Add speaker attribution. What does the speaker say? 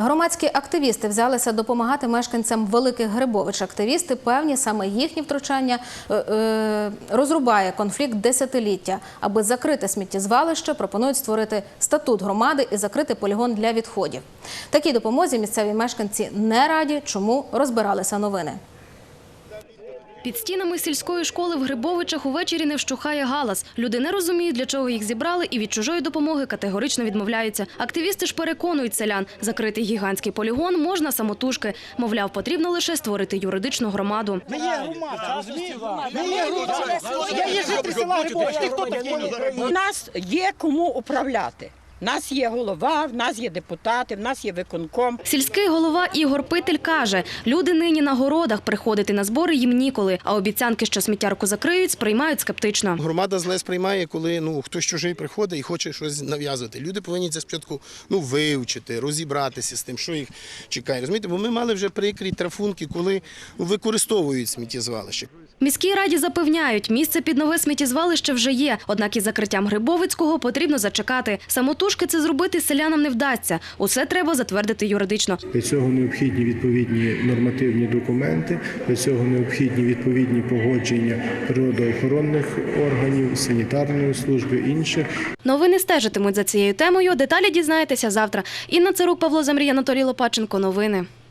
Speaker 1: Громадські активісти взялися допомагати мешканцям Великих Грибович. Активісти певні, саме їхнє втручання розрубає конфлікт десятиліття. Аби закрити сміттєзвалище, пропонують створити статут громади і закрити полігон для відходів. Такій допомозі місцеві мешканці не раді, чому розбиралися новини.
Speaker 2: Під стінами сільської школи в Грибовичах увечері не вщухає галас. Люди не розуміють, для чого їх зібрали, і від чужої допомоги категорично відмовляються. Активісти ж переконують селян, закрити гігантський полігон можна самотужки. Мовляв, потрібно лише створити юридичну громаду.
Speaker 3: Ми є громада, розумієте? Ми є громада. Я є житель села Грибович. Ти хто такий?
Speaker 4: У нас є кому управляти. У нас є голова, в нас є депутати, в нас є виконком.
Speaker 2: Сільський голова Ігор Питель каже, люди нині на городах, приходити на збори їм ніколи, а обіцянки, що сміттярку закриють, сприймають скептично.
Speaker 5: Громада зле сприймає, коли хтось чужий приходить і хоче щось нав'язувати. Люди повинні це спочатку вивчити, розібратися з тим, що їх чекає. Розумієте, бо ми мали вже прикрі трафунки, коли використовують сміттєзвалище.
Speaker 2: Міській раді запевняють, місце під нове сміттєзвалище вже є, однак із закриттям Грибовицького потрібно зачекати. Самотужки це зробити селянам не вдасться. Усе треба затвердити юридично.
Speaker 6: Для цього необхідні відповідні нормативні документи, для цього необхідні відповідні погодження природоохоронних органів, санітарної служби, інших.
Speaker 2: Новини стежитимуть за цією темою. Деталі дізнаєтеся завтра. Інна Цирук, Павло Замрій, Анатолій Лопаченко. Новини.